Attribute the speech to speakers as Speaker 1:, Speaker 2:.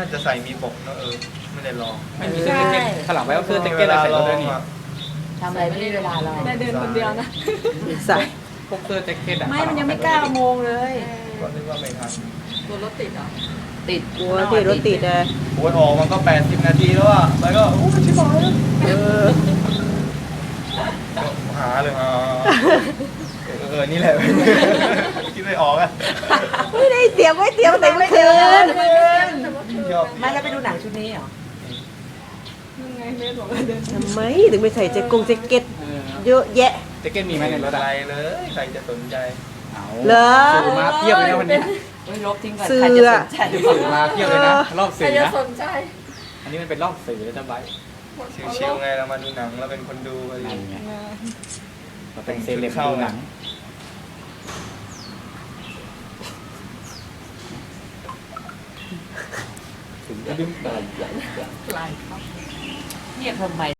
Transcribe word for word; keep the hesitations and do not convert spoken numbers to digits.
Speaker 1: น่าจะใส่มีปกนะเออไม่ได้ลอง
Speaker 2: ไม่มีเสื้อแจ็คเก็ตถลังไว้ก็เสื้อแจ็คเก็ตอะไรใส่รถด้วยนี่
Speaker 3: ทำอะไรไม่ได้เวลาเรา
Speaker 4: ได้เดินคนเดียวนะ
Speaker 5: ใส่
Speaker 2: พวกเสื้อแจ็คเก็ตอะ
Speaker 4: ไม่มันยังไม่เก้าโมงเลย
Speaker 1: ก็นึกว่าไม่ทัน
Speaker 4: ตัวรถติดเหรอ
Speaker 3: ติด
Speaker 5: กลัวที่รถติดเลย
Speaker 1: โอ้ยออกมันก็แปดสิบนาทีแล้วอ่ะแล้วก็อู้ชิบหายแล้ว
Speaker 5: เออ
Speaker 1: ก็หาเลยอ่าเออเออนี่แหละคิดไม่ออกอ่ะ
Speaker 5: ไม่ได้เตรียมไว้เตรียมแต่เมื่อคืน
Speaker 1: ชอบ
Speaker 3: ไม่แล้วไปดูหนังชุดนี้เหรอ
Speaker 4: ยังไงเมย์บอกว่าเดิน
Speaker 5: ทำไมถึงไม่ใส่แจ็คกงแจ็คเก็ต
Speaker 2: เออ
Speaker 5: เยอะแยะ
Speaker 2: แจ็คเก็ตมีไหมในรถ
Speaker 1: อะ
Speaker 2: อะ
Speaker 1: ไรเลยใครจะสนใจ
Speaker 2: เอา
Speaker 5: เหรอ
Speaker 2: สื่อมาเพียบเลยนะวันนี้
Speaker 3: เฮ้ยลบทิ้งก่อน
Speaker 5: เสื้อ
Speaker 3: ใครจะสนใจ
Speaker 2: สื่อมาเพียบเลยนะรอบ
Speaker 4: ใคร
Speaker 2: สื่อ
Speaker 4: จะ
Speaker 2: นะ
Speaker 4: สนใจ
Speaker 2: อันนี้มันเป็นรอบสื่อแล้วจะไว้
Speaker 1: ชิวๆไงเรามาดูหนังเราเป็นคนดูไป
Speaker 2: นั่นไงเราเป็นเซเลบดูหนังถึงจะดึงตาย
Speaker 3: เงียบทำไม